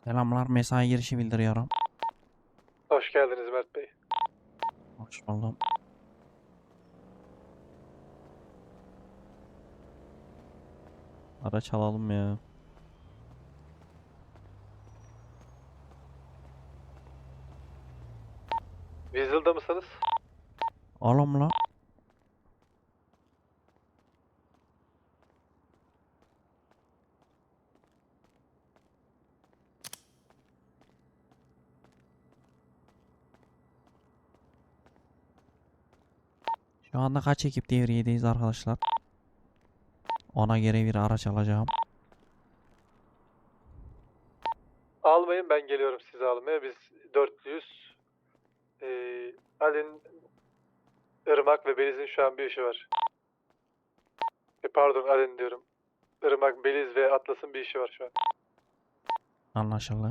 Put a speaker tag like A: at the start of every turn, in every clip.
A: Selamlar, mesai girişi bildiriyorum.
B: Hoş geldiniz Mert Bey.
A: Hoş buldum. Araç alalım ya.
B: Weasel'da mısınız?
A: Oğlum la. Şu anda kaç ekip devriyedeyiz arkadaşlar? Ona göre bir araç alacağım.
B: Almayın, ben geliyorum sizi almaya. Biz dörtlüyüz. Alin, Irmak ve Beliz'in şu an bir işi var. Pardon, Alin diyorum. Irmak, Beliz ve Atlas'ın bir işi var şu an.
A: Anlaşıldı.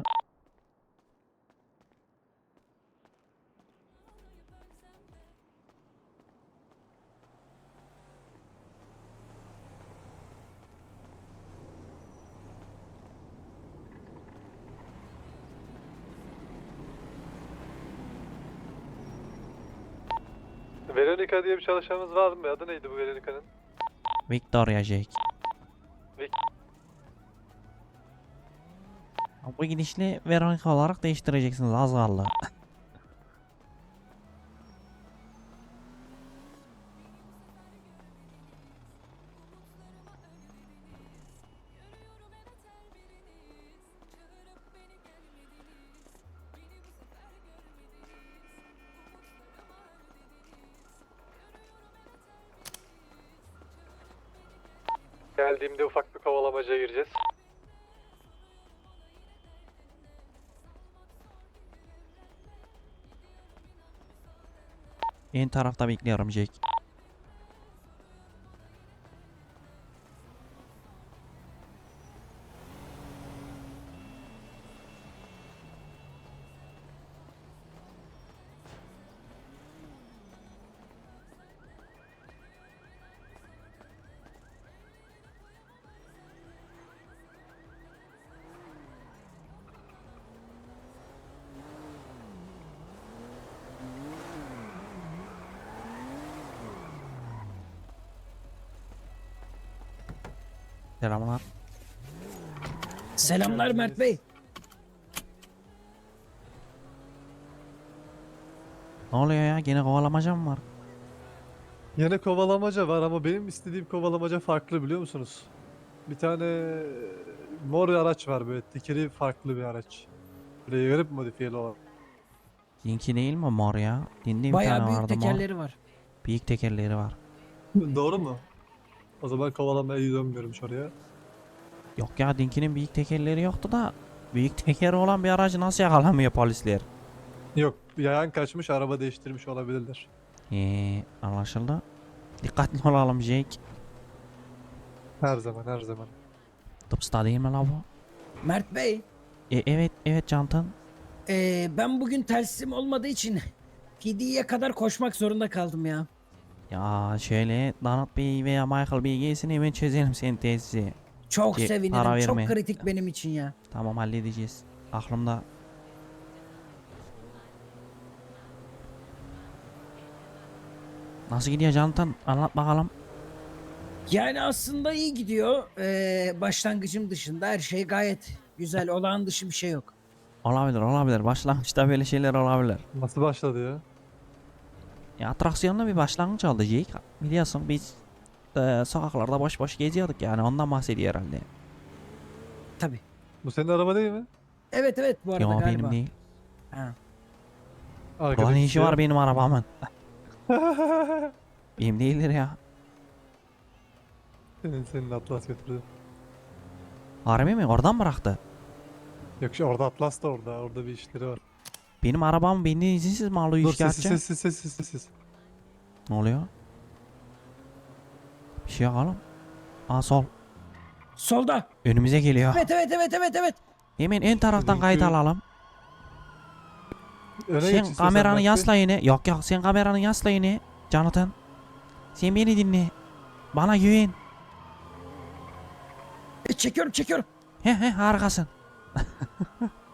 B: Veronica diye bir çalışanımız var mı? Adı neydi bu Veronica'nın?
A: Victoria Jake.
B: Vic-
A: Bu gidişle Veronica olarak değiştireceksiniz, az kaldı.
B: Geldiğimde ufak bir kovalamacaya gireceğiz.
A: En tarafta bekliyorum Jake. Selamlar.
C: Selamlar Mert Bey.
A: Ne oluyor ya? Gene kovalamaca mı var?
B: Yine kovalamaca var ama benim istediğim kovalamaca farklı, biliyor musunuz? Bir tane mor araç var, böyle tekeri farklı bir araç. Buraya garip modifiyeli olan.
A: Dinki değil mi mor ya? Dinde bir
C: Bayağı
A: tane
C: büyük
A: vardı mor.
C: tekerleri var.
A: Büyük tekerleri var.
B: Doğru mu? O zaman kovalamaya dönmüyorum oraya.
A: Yok ya, Dinki'nin büyük tekerleri yoktu da büyük tekeri olan bir aracı nasıl yakalamıyor polisler?
B: Yok, yayan kaçmış, araba değiştirmiş olabilirler.
A: Anlaşıldı. Dikkatli olalım Jake.
B: Her zaman, her zaman.
A: Tıpsta değil mi la bu?
C: Mert Bey,
A: Evet Cantan.
C: ben bugün telsim olmadığı için PD'ye kadar koşmak zorunda kaldım ya.
A: Ya şöyle Donald Bey veya Michael Bey gelsin, hemen çözelim senin tesisi.
C: Çok
A: Para
C: sevinirim.
A: verme.
C: Çok kritik benim için ya.
A: Tamam, halledeceğiz. Aklımda. Nasıl gidiyor Cantan? Anlat bakalım.
C: Yani aslında iyi gidiyor. Başlangıcım dışında her şey gayet güzel. Olağan dışı bir şey yok.
A: Olabilir. Başlangıçta böyle şeyler olabilir.
B: Nasıl başladı ya?
A: Ya atraksiyonlu bir başlangıç oldu Jake. Biliyorsun biz sokaklarda boş boş geziyorduk, yani ondan bahsediyor herhalde.
C: Tabii.
B: Bu senin araba değil mi?
C: Evet bu arada
A: Yo,
C: galiba.
A: benim değil.
C: Ha.
B: Arkadaki
A: Ulan ne işi var
B: siyah.
A: benim arabamın? Benim değildir ya.
B: Senin Atlas götürdü.
A: Harbi mi? Oradan bıraktı.
B: Yok, orada Atlas da orada. Orada bir işleri var.
A: Benim arabam benden izinsiz mi alıyor
B: Dur,
A: şikayetçi?
B: sessiz.
A: Ne oluyor? Bir şey yok oğlum. Aa, sol.
C: Solda.
A: Önümüze geliyor.
C: Evet.
A: Hemen ön taraftan kayıt
B: Çünkü-
A: alalım.
B: Öne geç
A: Sen
B: istiyorsan
A: kameranı
B: Mert Bey.
A: yasla yine. Yok sen kameranı yasla yine. Jonathan. Sen beni dinle. Bana güven.
C: Çekiyorum.
A: He harikasın.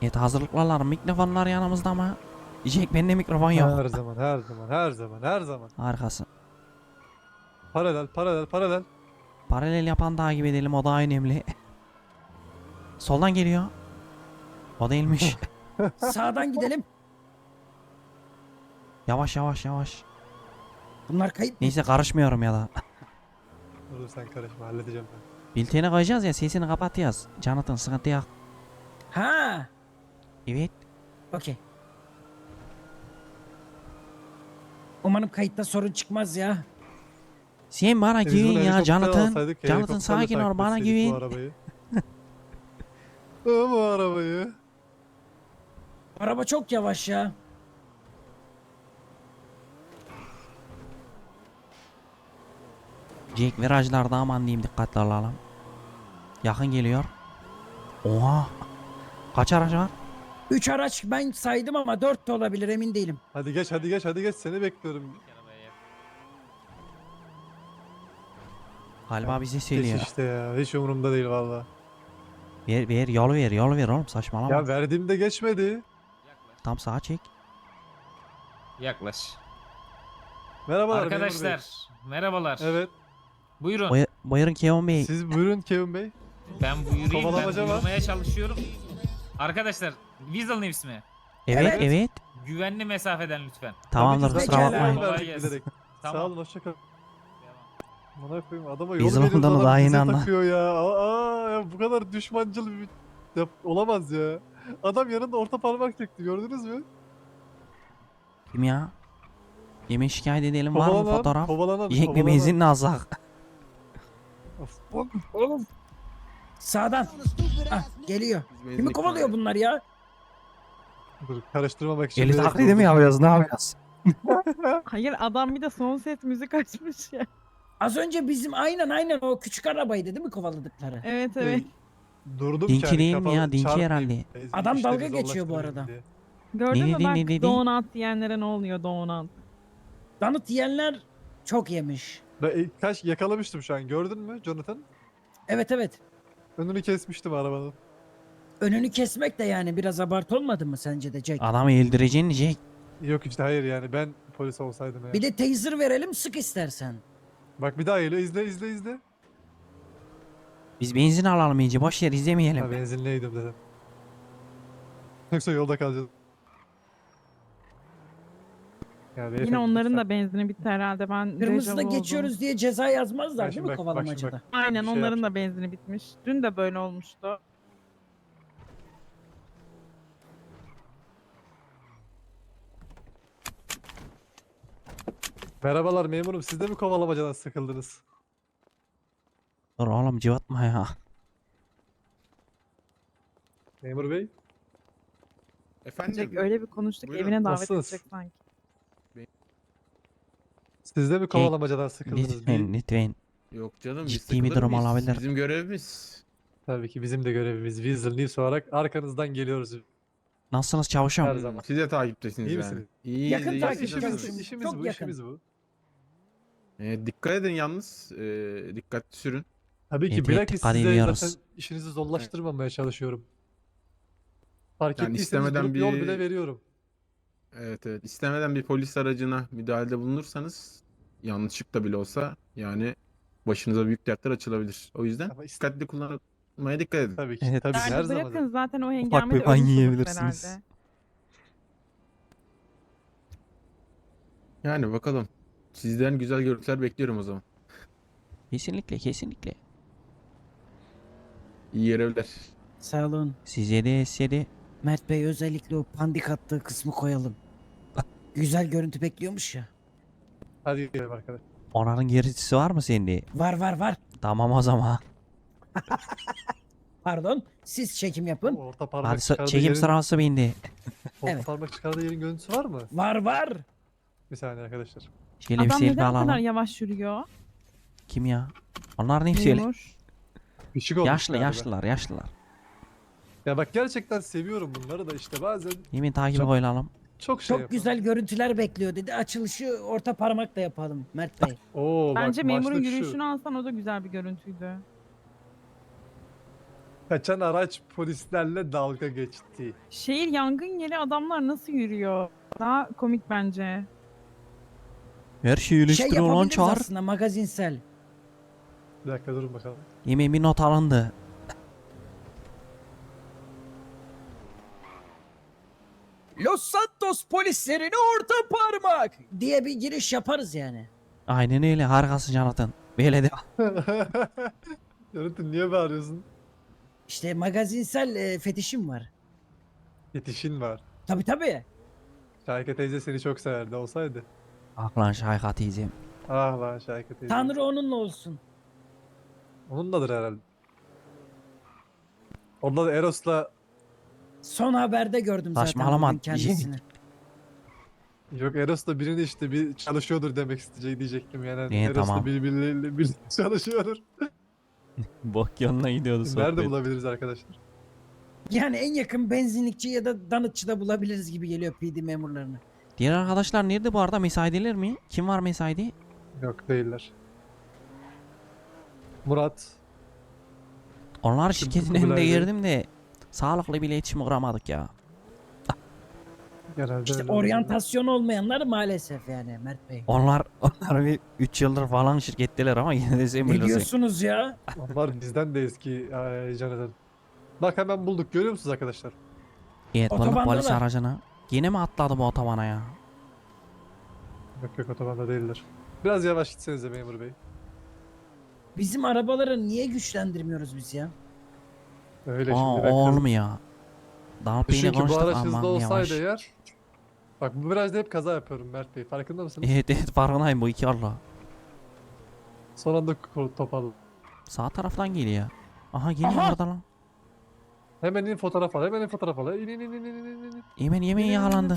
A: Evet, hazırlıklarlar, mikrofonlar yanımızda ama Jack, bende mikrofon yok.
B: Her zaman, her zaman, her zaman, her zaman.
A: Harikasın.
B: Paralel, paralel, paralel.
A: Paralel yapan takip edelim, o daha önemli. Soldan geliyor. O değilmiş.
C: Sağdan gidelim.
A: Yavaş yavaş yavaş.
C: Bunlar kayıp mı?
A: Neyse, karışmıyorum ya da.
B: Dur sen karışma, halledeceğim ben.
A: Bülteni koyacağız ya, sesini kapat yaz. Jonathan, sıkıntı yok.
C: Ha.
A: Evet.
C: Okey. Umarım kayıtta sorun çıkmaz ya.
A: Sen bana
B: Biz bunu
A: güven ya
B: helikopter
A: Jonathan.
B: alsaydık,
A: Jonathan,
B: helikopterle
A: sakin ol,
B: takip
A: bana
B: etseydik
A: güven.
B: Bu arabayı. Bu arabayı.
C: Araba çok yavaş ya.
A: Jack, virajlarda aman diyeyim, dikkatli olalım. Yakın geliyor. Oha. Kaç araç var?
C: 3 araç ben saydım ama 4 de olabilir, emin değilim.
B: Hadi geç, hadi geç, hadi geç. Seni bekliyorum.
A: Galiba bize
B: Geç
A: söylüyor.
B: işte ya. Hiç umurumda değil valla.
A: Ver yol ver oğlum, saçmalama.
B: Ya verdiğimde geçmedi.
A: Tam sağa çek.
D: Yaklaş.
B: Merhabalar memur bey.
D: Arkadaşlar merhabalar.
B: Evet.
D: Buyurun.
A: Buyurun Kevin Bey.
B: Siz buyurun Kevin Bey.
D: Ben buyurayım. Ben
B: Kovalamaca var.
D: buyurmaya çalışıyorum. Arkadaşlar Weasel News mi?
A: Evet
C: Evet.
A: evet.
D: Güvenli mesafeden lütfen.
A: Tamamdır,
B: Tabii ki
A: kusura
C: zaten
A: bakmayın.
C: kolay
B: verdik
D: gelsin.
B: bilerek. Sağ
D: Tamam.
B: olun, hoşça kalın.
D: Devam.
B: Bana koyayım, adama
A: Biz
B: yolu veriyoruz,
A: London'u
B: adam
A: daha
B: bize
A: yeni anla.
B: takıyor ya. Ya bu kadar düşmancıl bir olamaz ya. Adam yanında orta parmak çekti, gördünüz mü?
A: Kim ya? Yemin şikayet edelim, var mı fotoğraf?
B: Kovalanan,
A: Jack, bir
B: kovalanan.
A: benzinle alsak.
C: Oğlum. Sağdan. Ah, geliyor. Kimi kovalıyor bunlar ya?
B: Dur, karıştırmamak için.
A: Eli
B: bilerek
A: taklidi mi
B: vurdum.
A: yapıyoruz, ne yapıyoruz?
E: Hayır, adam bir de son ses müzik açmış ya.
C: Az önce bizim aynen o küçük arabaydı değil mi kovaladıkları?
E: Evet evet.
B: Durdum
A: Dinki
B: ki hani
A: değil mi ya?
B: kapalı
A: Dinki
B: çarpmayayım.
A: herhalde.
C: Adam
B: İşleri
C: dalga geçiyor bu
B: zorlaştırmayayım
C: arada.
B: diye.
E: Gördün mü
A: dedi,
E: bak
A: ne dedi?
E: donut diyenlere ne oluyor donut?
C: Donut yiyenler çok yemiş.
B: Ben kaç yakalamıştım şu an, gördün mü Jonathan?
C: Evet.
B: Önünü kesmiştim arabanın.
C: Önünü kesmek de yani biraz abartı olmadı mı sence de Jack?
A: Adamı öldüreceksin Jack.
B: Yok işte, hayır yani ben polis olsaydım ya.
C: Bir de taser verelim, sık istersen.
B: Bak bir daha geliyor, izle.
A: Biz benzin alalım iyice, boş yer izlemeyelim.
B: Ha, benzinliydim dedim. Yoksa yolda kalacağız. Ya
E: Yine
B: beyefendi,
E: onların
B: lütfen.
E: da benzini bitti herhalde. Ben
C: Kırmızıda
E: dejavu oldum.
C: geçiyoruz diye ceza yazmazlar değil
B: şimdi
C: mi
B: bak
C: kovalamacada?
E: Aynen,
B: Bir şey
E: onların
B: yapacağım.
E: da benzini bitmiş. Dün de böyle olmuştu.
B: Merhabalar memurum, siz de mi kovalamacadan sıkıldınız?
A: Dur oğlum, cıvatma ya.
B: Memur bey.
F: Efendim?
E: Jack öyle bir konuştuk,
F: Buyurun.
E: evine davet
B: Nasılsınız?
E: edecek sanki.
B: Siz de mi kovalamacadan sıkıldınız?
A: Lütfen lütfen.
F: Yok canım, biz
A: Ciddi bir
F: takılır
A: durum
F: mıyız?
A: olabilir.
F: Bizim görevimiz.
B: Tabii ki bizim de görevimiz Weasel News olarak arkanızdan geliyoruz.
A: Nasılsınız
B: Her
A: çavuşum?
B: zaman.
F: Siz de takiptesiniz
B: İyi
F: yani.
B: misiniz?
F: İyiyiz,
C: Yakın
F: iyiyiz.
C: takip
F: Siz
C: ediyoruz.
F: nasılsınız?
B: İşimiz
C: Çok
B: bu,
C: yakın.
B: işimiz bu.
F: Dikkat edin yalnız. Dikkatli sürün.
B: Tabii ki
A: Evet,
B: bilakis
A: dikkat
B: size
A: ediyoruz.
B: zaten işinizi zorlaştırmamaya çalışıyorum. Fark
F: Yani
B: ettiyseniz
F: istemeden
B: durup yol
F: bir-
B: bile veriyorum.
F: Evet evet. İstemeden bir polis aracına müdahalede bulunursanız yanlışlıkla bile olsa yani başınıza büyük dertler açılabilir. O yüzden
B: Ama
F: dikkatli kullanmaya dikkat edin.
B: Tabii ki,
A: Evet.
B: tabii ki
E: Yani
B: her zaman.
E: bırakın zaten o
A: bir
E: hengamede
A: ban
E: ölmüş oluruz
A: yiyebilirsiniz.
E: herhalde.
F: Yani bakalım. Sizden güzel görüntüler bekliyorum o zaman.
A: Kesinlikle kesinlikle.
F: İyi görevler.
C: Sağ olun.
A: Size de size de.
C: Mert Bey özellikle o pandik attığı kısmı koyalım. Güzel görüntü bekliyormuş ya.
B: Hadi gidelim arkadaşlar.
A: Onların gerisi var mı sende?
C: Var.
A: Tamam o zaman.
C: Pardon. Siz çekim yapın.
B: Orta parmak
A: Hadi
B: çıkardığı
A: çekim
B: yerin,
A: sırası bende.
B: orta
C: Evet.
B: parmak çıkardığı yerin görüntüsü var mı?
C: Var.
B: Bir saniye arkadaşlar.
A: Şöyle bir
E: Adam
A: selfie
E: neden bu kadar
A: alalım.
E: yavaş yürüyor?
A: Kim ya? Onlar ne söyle?
E: Memur.
B: Pişik olmuş
A: Yaşlı
B: galiba.
A: yaşlılar.
B: Ya bak gerçekten seviyorum bunları da işte bazen
A: Yemin takibi
B: Çok-
A: koyalım.
B: çok şey
C: Çok
B: yapıyorum.
C: güzel görüntüler bekliyor dedi. Açılışı orta parmakla yapalım Mert Bey.
B: Oo,
E: Bence
B: bak,
E: memurun
B: başlık şu.
E: yürüyüşünü alsan o da güzel bir görüntüydü.
B: Kaçan araç polislerle dalga geçti.
E: Şehir yangın yeri adamlar nasıl yürüyor? Daha komik bence.
A: Her şeyi
C: Şey
A: eleştiriyor lan
C: yapabiliriz
A: çağır.
C: aslında magazinsel.
B: Bir dakika durun bakalım.
A: Yemeğin bir not alındı.
C: Los Santos polislerine orta parmak diye bir giriş yaparız yani.
A: Aynen öyle, harikasın Jonathan. Böyle de
B: Jonathan niye bağırıyorsun?
C: İşte magazinsel fetişim var.
B: Yetişin var.
C: Tabi tabi.
B: Şahika teyze seni çok severdi olsaydı.
A: aklan Şayka teyzem.
B: Ah lan Şahika teyze.
C: Tanrı onunla olsun.
B: Onunladır herhalde. Onda da Eros'la
C: Son haberde gördüm zaten
A: Saçmalama.
C: bugün kendisini.
B: yok Eros'la birini işte bir çalışıyordur demek diyecektim yani.
A: İyi,
B: Eros'la
A: tamam.
B: birbirleriyle bir çalışıyordur.
A: Bok yoluna gidiyordu
B: Nerede bulabiliriz arkadaşlar?
C: Yani en yakın benzinlikçi ya da danıtçıda bulabiliriz gibi geliyor PD memurlarını.
A: Diğer arkadaşlar nerede bu arada, mesaideler mi? Kim var mesaide?
B: Yok değiller. Murat.
A: Onlar şirketin
B: Kubilay
A: önünde
B: Bey.
A: girdim de sağlıklı bir iletişim kuramadık ya.
B: Genelde
C: İşte
B: öyle oluyor.
C: oryantasyon olmayanlar maalesef yani Mert Bey.
A: Onlar bir 3 yıldır falan şirketteler ama yine de sen
C: Ne
A: bilirsin.
C: diyorsunuz ya?
B: Onlar bizden de eski Jonathan. Bak hemen bulduk görüyor musunuz arkadaşlar?
A: Evet, bulduk
C: Otobandalar.
A: polis aracını. Yine mi atladı bu otobana ya?
B: Yok yok otobanda değiller. Biraz yavaş gitsenize memur bey.
C: Bizim arabaları niye güçlendirmiyoruz biz ya?
B: Öyle
A: Aa,
B: şimdi
A: o
B: ben
A: olmuyor. Dalıp beni
B: çünkü bu
A: konuştuk,
B: araç
A: aman
B: hızlı
A: yavaş.
B: olsaydı eğer. Bak bu virajda hep kaza yapıyorum Mert Bey. Farkında mısınız?
A: Evet farkındayım, bu iki Allah.
B: Son anda toparladım.
A: Sağ taraftan geliyor. Aha geliyor
C: Aha!
A: orada lan.
B: Hemen in fotoğraf al. Hemen in fotoğraf al. İn in in in in in in.
A: Yemen yemeği
B: Yürü, yürü,
A: yakalandı.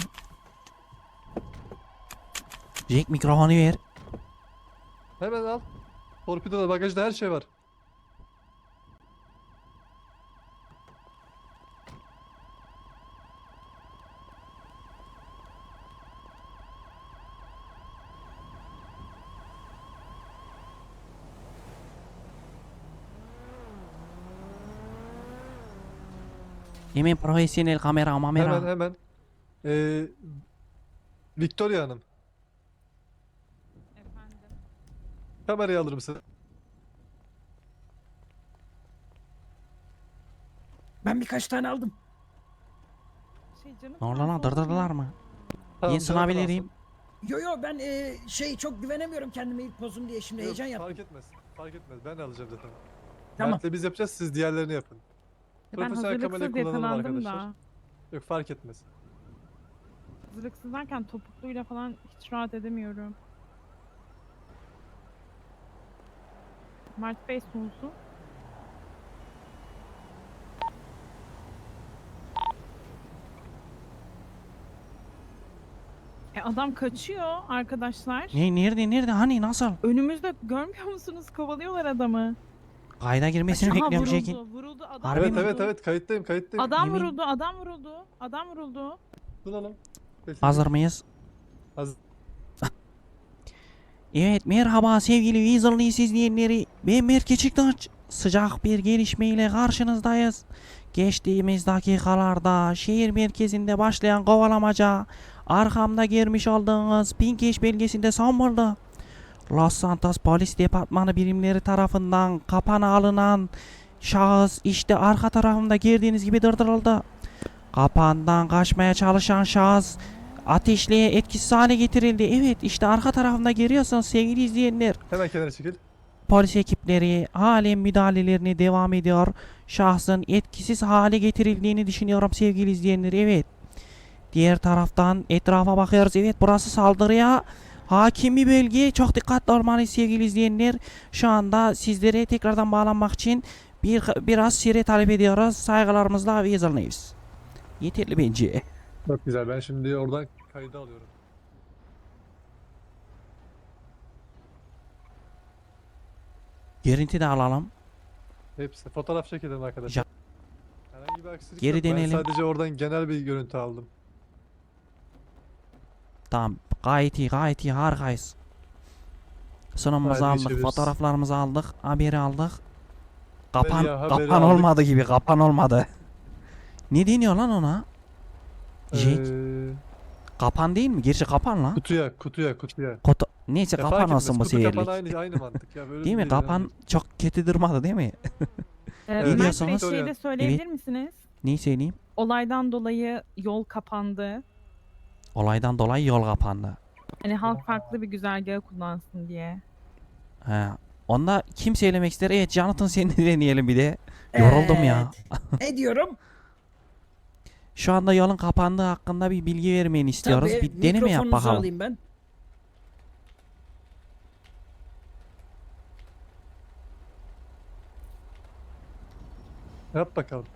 A: Jack mikrofonu ver.
B: Hemen al. Torpidoda bagajda her şey var.
A: Yemen profesyonel kamera mamera.
B: Hemen. Ee, Victoria Hanım.
E: Efendim.
B: Kamerayı alır mısın?
C: Ben birkaç tane aldım.
E: Şey canım.
A: Ne oldu lan, dırdırdılar mı?
B: Tamam,
A: Yeni sınav
B: Jonathan
A: vereyim.
C: Yo yo ben çok güvenemiyorum kendime ilk pozum diye şimdi
B: Yok,
C: heyecan yaptım.
B: fark etmez. Fark etmez. Ben alacağım zaten.
C: Tamam.
B: Mert'le biz yapacağız. Siz diğerlerini yapın.
E: Ben
B: Profesyonel kamerayı
E: hazırlıksız
B: kullanalım
E: yakalandım
B: arkadaşlar.
E: da.
B: Yok fark etmez.
E: Hazırlıksız derken topukluyla falan hiç rahat edemiyorum. Mert Bey sunsun. Adam kaçıyor arkadaşlar.
A: Nerede hani nasıl?
E: Önümüzde görmüyor musunuz? Kovalıyorlar adamı.
A: Kayda girmesini
E: Aha,
A: bekliyorum
E: vuruldu,
A: Jack'in.
E: vuruldu adam.
A: Harbi
B: Evet
A: mi?
B: evet evet kayıttayım.
E: Adam
A: Yemin-
E: vuruldu, adam vuruldu, adam vuruldu.
B: Duralım. Sesini-
A: Hazır mıyız?
B: Hazır.
A: Evet, merhaba sevgili Weasel'lı izleyenleri. Ben Mert Keçiktaş. Sıcak bir gelişmeyle karşınızdayız. Geçtiğimiz dakikalarda şehir merkezinde başlayan kovalamaca arkamda görmüş olduğunuz Pinkeş belgesinde son buldu. Los Santos Polis Departmanı birimleri tarafından kapana alınan şahıs işte arka tarafımda gördüğünüz gibi durduruldu. Kapandan kaçmaya çalışan şahıs ateşliğe etkisiz hale getirildi. Evet, işte arka tarafında görüyorsunuz sevgili izleyenler.
B: Hemen kenara çekil.
A: Polis ekipleri halen müdahalelerini devam ediyor. Şahsın etkisiz hale getirildiğini düşünüyorum sevgili izleyenler. Evet. Diğer taraftan etrafa bakıyoruz. Evet, burası saldırıya hakim bir bölge. Çok dikkatli olmalıyız sevgili izleyenler. Şu anda sizlere tekrardan bağlanmak için biraz süre talep ediyoruz. Saygılarımızla Weasel News. Yeterli bence.
B: Çok güzel. Ben şimdi oradan kaydı alıyorum.
A: Görüntü de alalım.
B: Hepsi. Fotoğraf çekelim arkadaşlar. Herhangi bir aksilik
A: Geri
B: yok.
A: dönelim.
B: Ben sadece oradan genel bir görüntü aldım.
A: Tamam, gayet iyi harikayız. Sunumumuzu
B: Haydi
A: aldık,
B: geçebiliriz.
A: fotoğraflarımızı aldık, haberi aldık. Kapan,
B: ya, haberi
A: kapan
B: aldık.
A: olmadı gibi, kapan olmadı. Ne deniyor lan ona? Jack, kapan değil mi? Gerçi kapan lan.
B: Kutuya.
A: Neyse
B: Ya fark
A: kapan
B: etmez,
A: olsun bu
B: kutu kapan
A: seyirlik.
B: aynı mantık ya. Böyle
A: Değil mi?
B: önemli
A: Kapan çok kötü durmadı değil mi?
B: Evet.
E: Mert Bey
A: diyorsunuz?
E: şey de söyleyebilir misiniz?
A: Neyi söyleyeyim?
E: Olaydan dolayı yol kapandı.
A: Olaydan dolayı yol kapandı.
E: Hani halk farklı bir güzergahı kullansın diye.
A: He. Onda kim söylemek ister? Evet, Jonathan seni deneyelim bir de. Yoruldum ya.
C: Ne diyorum?
A: Şu anda yolun kapandığı hakkında bir bilgi vermeni istiyoruz.
C: Tabii,
A: Bir deneme yap
C: mikrofonunuzu
A: bakalım.
C: alayım ben.
B: Yap bakalım.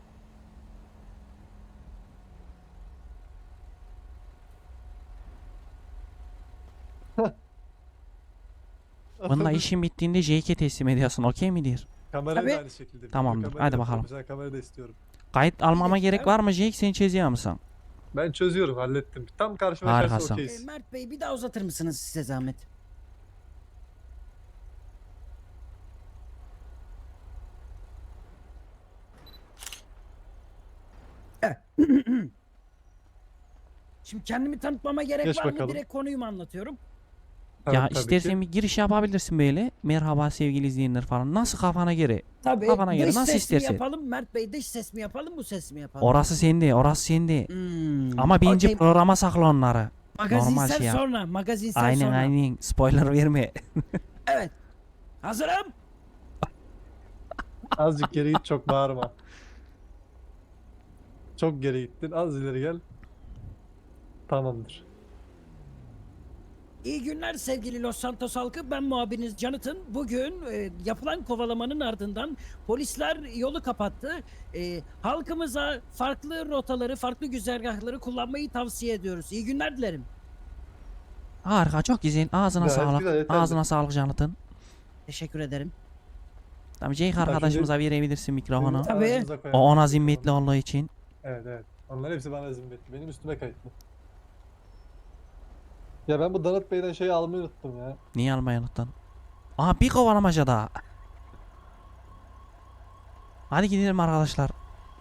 A: Bununla işin bittiğinde Jake'e teslim ediyorsun. Okey midir?
B: Kamerayı
C: Tabii.
B: da aynı şekilde.
A: Tamamdır,
B: Kamerayı
A: hadi
B: da
A: bakalım.
B: profesyonel kamerayı da istiyorum.
A: Kayıt almama
C: dakika.
A: gerek var mı Jake? Sen çözüyor musun?
B: Ben çözüyorum, hallettim. Tam karşıma karşı
A: Harikasın.
B: okeyiz.
C: Mert Bey bir daha uzatır mısınız size zahmet? Evet. Şimdi kendimi tanıtmama gerek
B: Geç
C: var mı?
B: bakalım.
C: Direkt konuyu mu anlatıyorum?
B: Tamam,
A: Ya
B: tabii
A: istersen
B: ki.
A: bir giriş yapabilirsin böyle. Merhaba sevgili izleyenler falan. Nasıl kafana göre?
C: Tabii.
A: Kafana göre
C: Dış
A: nasıl
C: ses mi
A: istersen.
C: yapalım? Mert Bey dış ses mi yapalım? Bu ses mi yapalım?
A: Orası sende, orası sende.
C: Hmm.
A: Ama bence
C: Okey,
A: programa sakla onları.
C: magazinsel
A: normal şey yap.
C: sonra. Magazinsel
A: Aynen
C: sonra.
A: aynen. Spoiler verme.
C: Evet. Hazırım.
B: Azıcık geri git, çok bağırma. Çok geri gittin. Az ileri gel. Tamamdır.
C: İyi günler sevgili Los Santos halkı. Ben muhabiriniz Jonathan. Bugün yapılan kovalamanın ardından polisler yolu kapattı. Halkımıza farklı rotaları, farklı güzergahları kullanmayı tavsiye ediyoruz. İyi günler dilerim.
A: Harika, çok güzel. Ağzına
B: Gayet
A: sağlık.
B: güzel, yeterli.
A: Ağzına sağlık Jonathan.
C: Teşekkür ederim.
A: Tamam, Jake arkadaşımıza verebilirsin mikrofonu.
C: Tabii.
B: Aracınıza koyalım.
A: O ona zimmetli olduğu için.
B: Evet. Onlar hepsi bana zimmetli. Benim üstüme kayıtlı. Ya ben bu Danıt Bey'den şeyi almayı unuttum ya.
A: Niye almayı unuttun? Aha, bir kovalamaca daha. Hadi gidelim arkadaşlar.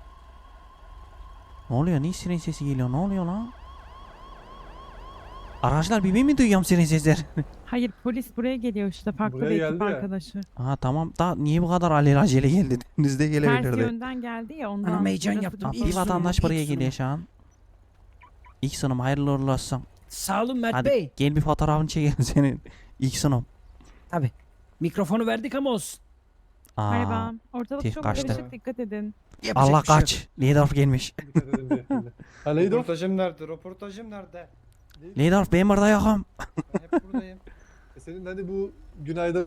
A: Ne oluyor? Niye siren sesi geliyor? Ne oluyor lan? Arkadaşlar bir ben mi duyuyorum siren sesleri?
E: Hayır polis buraya geliyor işte farklı
B: Buraya
E: bir ekip
B: geldi ya.
E: arkadaşı.
A: Aha tamam da niye bu kadar alelacele geldi? Denizde
E: Ters
A: gelebilirdi.
E: yönden geldi ya ondan.
C: Anam heyecan
E: burası
C: yaptım.
A: Aa,
E: bir-
A: bir
C: İlk
A: vatandaş
C: sunum,
A: buraya
C: ilk
A: geliyor şu an. İlk sunum hayırlı uğurlu olsun.
C: Sağ olun Mert
A: Hadi
C: Bey.
A: gel bir fotoğrafını çekelim senin. İlk sunum.
C: Tabii. Mikrofonu verdik ama olsun.
A: Aa,
E: Merhaba. Ortalık
A: tüh,
E: çok
A: kaçtı.
E: karışık dikkat edin.
C: Yapacak
A: Allah
C: bir şey yok.
A: kaç. Lidorf gelmiş.
B: Dikkat edin beyefendi. Ha neydi o?
G: Röportajım nerede? Röportajım nerede?
A: Lidorf ben burada yokum.
G: Ben hep buradayım.
B: Senin hani bu günayda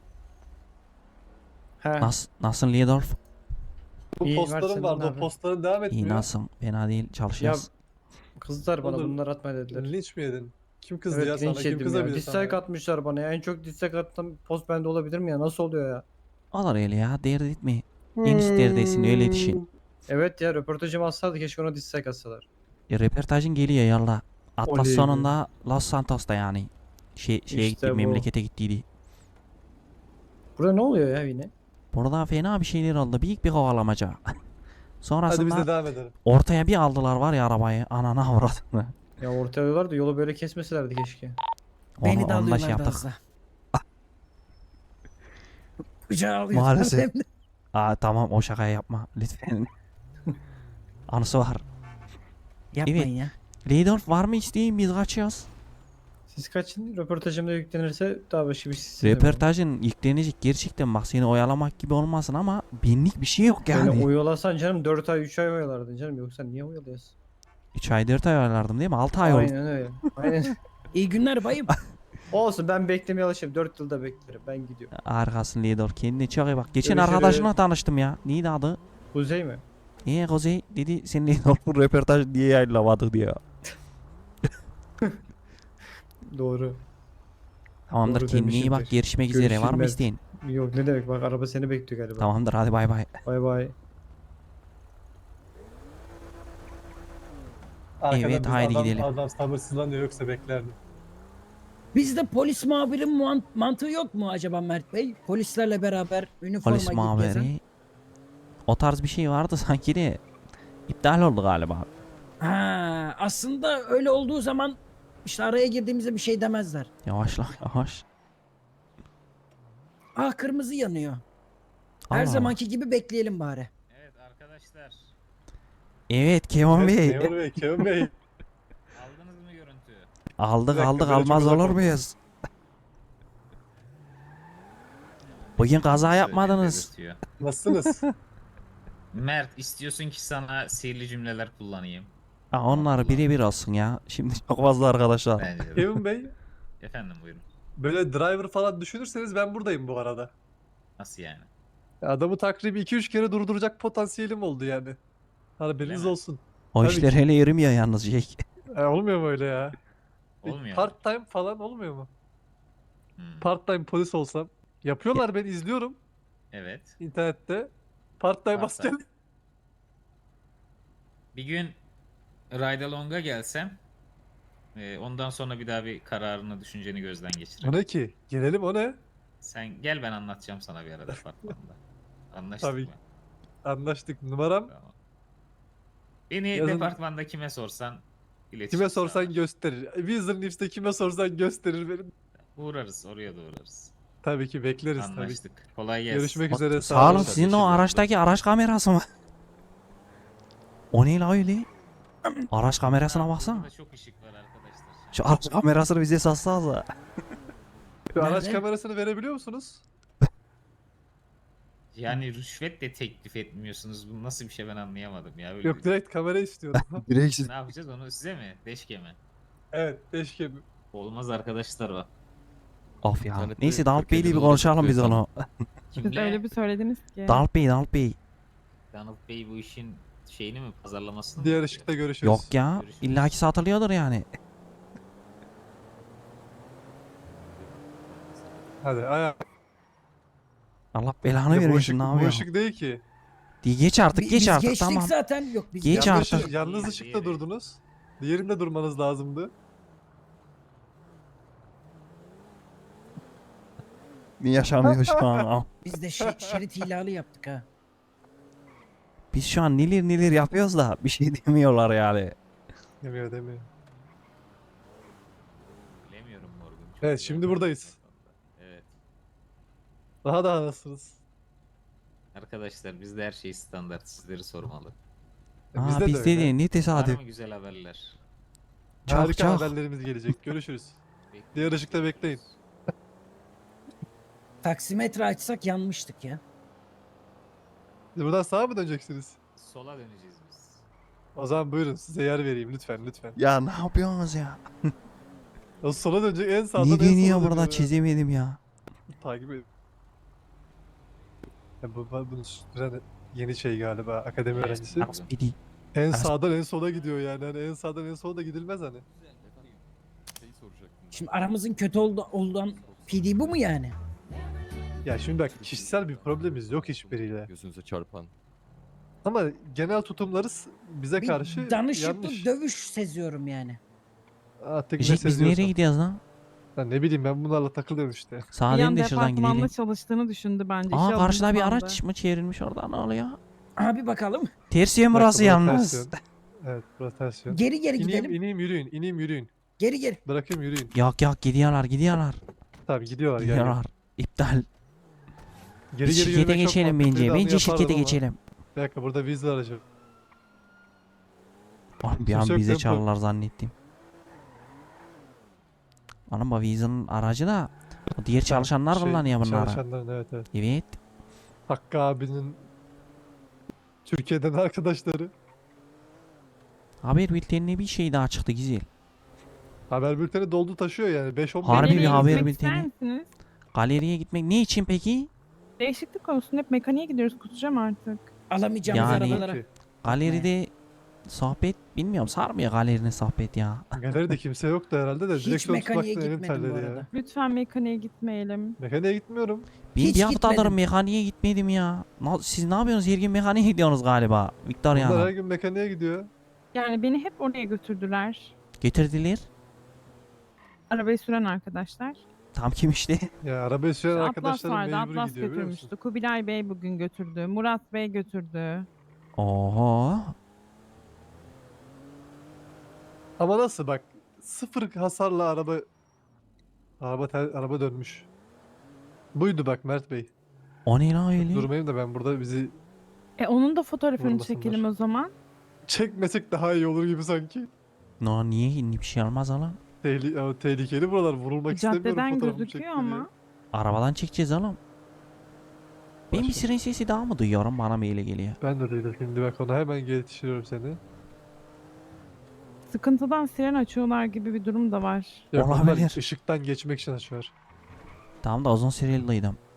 G: He.
A: Nasıl Lidorf?
B: bu
G: İyi, var
B: postların
G: senin
B: vardı. O
G: abi.
B: postların devam
A: İyi
B: etmiyor.
A: nasıl? Fena değil
G: Ya
A: çalışıyoruz.
G: kızlar bana
B: Olur.
G: bunlar atma dediler.
B: Linç mi yedin? Kim kızdı ya
G: Evet
B: sana?
G: linç
B: Kim
G: yedim ya.
B: kızabilir sana?
G: Dislike atmışlar bana ya. En çok dislike attım post bende olabilir mi ya? Nasıl oluyor ya?
A: Olur öyle ya. Dert etme. En isterdesin öyle düşün.
G: Evet ya röportajımı alsaydı keşke ona dislike atsalar.
A: Röportajın geliyor yallah. Atlas
G: Oley be.
A: sonunda Los Santos'ta yani. Şeye
G: İşte
A: gitti,
G: bu.
A: memlekete gittiydi.
G: Burada ne oluyor ya yine?
A: Burada fena bir şeyler oldu. Büyük bir kovalamaca.
B: Hadi biz
A: Sonrasında
B: de devam edelim.
A: ortaya bir aldılar var ya arabayı. Anana avradını.
G: Ya ortaya alıyorlar da yolu böyle kesmeselerdi keşke.
C: Beni de
A: Onu da şey
C: alıyorlardı
A: yaptık.
C: az da. Kucağa alıyorlar.
A: Maalesef.
C: hem de.
A: Aa tamam o şakayı yapma lütfen. Anısı var.
C: Yapmayın
A: Evet.
C: ya.
A: Lidorf var mı isteğin biz kaçıyoruz.
G: Siz kaçın röportajımda yüklenirse daha başka bir şey istemem.
A: Röportajın yüklenecek gerçekten bak seni oyalamak gibi olmasın ama benlik bir şey yok yani.
G: Yani oyalasan canım 4 ay 3 ay oyalardın canım yoksa niye oyalıyorsun?
A: 3 ay 4 ay oyalardım değil mi? 6 ay oldu.
G: Aynen öyle. Aynen.
C: İyi günler bayım.
G: Olsun ben beklemeye alışayım 4 yılda beklerim ben gidiyorum.
A: Arkasın Lidorf kendine çok iyi bak. Geçen
G: Görüşürüz.
A: arkadaşımla tanıştım ya. Neydi adı?
G: Kuzey mi?
A: Kuzey dedi sen Lidorf'un röportaj diye yayınlamadık diyor.
G: Doğru.
A: Tamamdır
G: Doğru
A: kendine iyi bak
G: demişimdir.
A: görüşmek üzere var mı
G: Görüşürüz.
A: isteğin?
G: Yok ne demek bak araba seni bekliyor galiba.
A: Tamamdır hadi bay bay.
G: Bay bay.
B: Arkadan
A: Evet,
B: biz
A: haydi
B: adam,
A: gidelim.
B: Adam sabırsızlanıyor yoksa beklerdim.
C: Bizde polis muhabirin mantığı yok mu acaba Mert Bey? Polislerle beraber üniforma
A: Polis
C: giyip gezen.
A: muhabiri. O tarz bir şey vardı sanki de iptal oldu galiba.
C: Ha, aslında öyle olduğu zaman işte araya girdiğimizde bir şey demezler.
A: Yavaşla yavaş.
C: Ah, kırmızı yanıyor. Her
A: Allah Allah.
C: zamanki gibi bekleyelim bari.
D: Evet arkadaşlar.
A: Evet Kemal
B: Evet,
A: Bey.
B: Memur Bey, Kemal Bey.
D: Aldınız mı görüntüyü?
A: Aldık
B: Bir dakika,
A: aldık
B: böyle çok
A: almaz
B: uzak
A: olur
B: oldu.
A: muyuz? Bugün kaza yapmadınız.
D: Belirtiyor.
B: Nasılsınız?
D: Mert, istiyorsun ki sana sihirli cümleler kullanayım.
A: Ha, onlar birebir olsun ya. Şimdi çok fazla arkadaşlar.
D: Bence de.
B: Kevin Bey,
D: Efendim buyurun.
B: böyle driver falan düşünürseniz ben buradayım bu arada.
D: Nasıl yani?
B: Adamı takribi 2-3 kere durduracak potansiyelim oldu yani. Haberiniz
D: Öyle mi?
B: olsun.
A: O
B: Tabii
A: işler
B: ki.
A: hele yürümüyor yalnız Jake.
B: Olmuyor mu öyle ya?
D: Olmuyor mu?
B: Part time falan olmuyor mu?
D: Hmm,
B: Part time polis olsam. Yapıyorlar, ben izliyorum
D: Evet.
B: internette. Part time
D: Part time.
B: asker.
D: Bir gün Ride Along'a gelsem ondan sonra bir daha bir kararını, düşünceni gözden
B: O
D: geçirelim.
B: ne ki? Gelelim, o ne?
D: Sen gel, ben anlatacağım sana bir arada departmanda. Anlaştık
B: Tabii.
D: mı?
B: Anlaştık. Numaram.
D: Tamam. Beni
B: Yazın-
D: departmanda kime sorsan iletişim
B: Kime sorsan
D: sağlar.
B: gösterir. Weasel Nips'te kime sorsan gösterir benim.
D: Uğrarız, oraya da uğrarız.
B: Tabii ki bekleriz tabii ki.
D: Anlaştık. Kolay gelsin.
B: Görüşmek üzere.
A: Sağ olun,
B: olun.
A: sizin o araçtaki araç kamerası mı? O ne la öyle? Araç kamerasına baksana.
D: Burada çok ışık var arkadaşlar.
A: Şu araç kamerasını bize satsanıza.
B: Şu araç
C: Nerede?
B: kamerasını verebiliyor musunuz?
D: Yani rüşvet de teklif etmiyorsunuz. Bu nasıl bir şey, ben anlayamadım ya. Böyle
B: Yok, direkt kamera istiyorum.
D: Ne yapacağız onu, size mi? Deşke mi?
B: Evet, keşke.
D: Olmaz arkadaşlar o.
A: Of ya.
H: İnternette
A: Neyse Dalp
H: 47
A: Bey'le bir
H: dolar
A: konuşalım biz
H: satıyor
A: onu.
E: Siz
D: Kimle?
E: öyle bir söylediniz ki.
A: Dalp Bey.
D: Donald Bey bu işin şeyini mi, pazarlamasını mı
B: Diğer
D: yapıyor?
B: ışıkta görüşürüz.
A: Yok ya.
D: Görüşürüz.
A: İllaki satılıyordur yani.
B: Hadi ayak.
A: Allah belanı
B: Bu
A: vermesin,
B: ışık,
A: ne
B: bu
A: yapıyor?
B: ışık değil ki.
A: Geç artık
C: Biz
A: geç artık
C: geçtik
A: tamam.
C: zaten. Yok biz
A: Geç
B: Yanlış,
A: artık.
B: yalnız
D: Diğeri,
B: ışıkta
D: diğeri.
B: durdunuz. Diğerinde durmanız lazımdı.
A: Ne yaşanıyor şu an?
C: Biz de şerit ihlali yaptık ha.
A: Biz şu an neler yapıyoruz da bir şey demiyorlar yani.
B: Demiyor.
D: Bilemiyorum Morgan. Çok
B: Evet,
D: güzel
B: şimdi
D: bir
B: buradayız.
D: Evet.
B: Daha nasılsınız?
D: Arkadaşlar bizde her şey standart. Sizleri sormalı.
A: Aa bizde
B: öyle.
A: de ne
D: Var
A: tesadüf.
D: mı güzel haberler?
A: Çok
B: Harika
A: çok.
B: haberlerimiz gelecek. Görüşürüz.
D: Bekliyoruz.
B: Diğer ışıkta bekleyin.
C: Taksimetre açsak yanmıştık ya.
B: Siz buradan sağa mı döneceksiniz?
D: Sola döneceğiz biz.
B: O zaman buyurun, size yer vereyim lütfen.
A: Ya ne yapıyorsunuz ya?
B: O sola dönecek, en sağdan en
A: Ne
B: sola
A: deniyor
B: dönüyor
A: burada
B: ya.
A: çizemedim ya.
B: Takip edin. Ya bunu süren yeni şey galiba, akademi
D: Evet,
B: öğrencisi.
D: pardon.
A: Biri.
B: En
A: Aras-
B: sağdan en sola gidiyor yani. Hani en sağdan en sola da gidilmez hani.
H: Şeyi soracaktım ben.
C: Şimdi aramızın kötü olan PD bu mu yani?
B: Ya şimdi bak, kişisel bir problemimiz yok hiçbiriyle.
H: Gözünüze çarpan.
B: Ama genel tutumlarız bize
C: Bir
B: karşı
C: danışıklı
B: yanlış.
C: dövüş seziyorum yani.
B: Artık ne
A: Jake biz nereye
B: seziyorsan.
A: gidiyoruz lan?
B: Ben ne bileyim, ben bunlarla takılıyorum işte.
A: Sağa
E: Bir
A: dön
E: an
A: de şuradan
E: departmanda
A: gidelim.
E: çalıştığını düşündü bence.
A: Aa
E: İşe
A: karşıda bir
E: alındı
A: araç
E: sandı.
A: mı çevrilmiş orada, ne oluyor?
C: Abi bakalım.
A: Ters yön
B: Bir dakika,
A: burası
B: burası
A: yalnız.
B: ters yön. Evet, burası ters yön.
C: Geri gidelim.
B: İneyim yürüyün, yürüyün.
C: Geri.
B: Bırakayım yürüyün.
A: Yok gidiyorlar.
B: Tamam, gidiyorlar gel.
A: Gidiyorlar. İptal.
B: Geri
A: Biz şirkete
B: yürümek çok
A: geçelim
B: mantıklıydı,
A: bence.
B: onu
A: Bence
B: yapardım
A: şirkete
B: ama.
A: geçelim.
B: Bir dakika, burada Weasel aracı.
A: Oh, bir an
B: Kimse yok
A: bize
B: değil mi?
A: çalarlar zannettim. Anam bu Weasel'ın aracı da o diğer çalışanlar
B: Şey,
A: kullanıyor bunları.
B: Çalışanların, evet.
A: Evet.
B: Hakkı abinin Türkiye'den arkadaşları.
A: Haber bültenine bir şey daha çıktı güzel.
B: Haber bülteni doldu taşıyor yani. 5-10
A: Harbi bir
E: Galeriye
A: haber
E: gitmek
A: bülteni.
E: ister misiniz?
A: Galeriye gitmek ne için peki?
E: Değişiklik olsun, hep mekaniğe gidiyoruz, kusacağım artık.
C: Alamayacağımız
A: Yani-
C: arabalara.
A: Galeride sohbet bilmiyorum, sarmıyor galerinin sohbet ya.
B: Galeride kimse yoktu herhalde de.
C: Hiç
B: Direksiyon
C: mekaniğe
B: tutmaktan elim
C: gitmedim bu
B: terledi
C: arada.
B: ya.
E: Lütfen mekaniğe gitmeyelim.
B: Mekaniğe gitmiyorum.
A: Ben
C: Hiç
A: bir haftadır
C: gitmedim.
A: mekaniğe gitmedim ya. Siz ne yapıyorsunuz? Her gün mekaniğe gidiyorsunuz galiba.
B: Bunlar her
A: Victoria'na.
B: gün mekaniğe gidiyor.
E: Yani beni hep oraya götürdüler.
A: Getirdiler.
E: Arabayı süren arkadaşlar.
A: Tam kim işte?
B: Ya arabayı süren
E: Atlas
B: arkadaşlarım
E: vardı.
B: mecbur
E: Atlas
B: gidiyor biliyor musun?
E: götürmüştü. Kubilay Bey bugün götürdü. Murat Bey götürdü.
A: Oho.
B: Ama nasıl bak, sıfır hasarla araba dönmüş. Buydu bak Mert Bey.
A: O ne lan öyle?
B: Durmayayım da ben burada bizi
E: Onun da fotoğrafını
B: Vurmasınlar.
E: çekelim o zaman.
B: çekmesek daha iyi olur gibi sanki.
A: No, niye bir şey olmaz lan?
B: Tehlikeli buralar, vurulmak istemiyorum
E: Caddeden
B: fotoğrafımı
E: gözüküyor
B: çekti diye.
E: ama.
A: Arabadan çekeceğiz oğlum. Ben bir
B: Başka.
A: siren sesi daha mı duyuyorum? Bana mı öyle geliyor?
B: Ben de değilim, şimdi bak ona hemen yetiştiriyorum seni.
E: Sıkıntıdan siren açıyorlar gibi bir durum da var.
B: Yok, onlar
A: Olabilir.
B: ışıktan geçmek için açıyor.
A: Tamam da uzun süreliydim.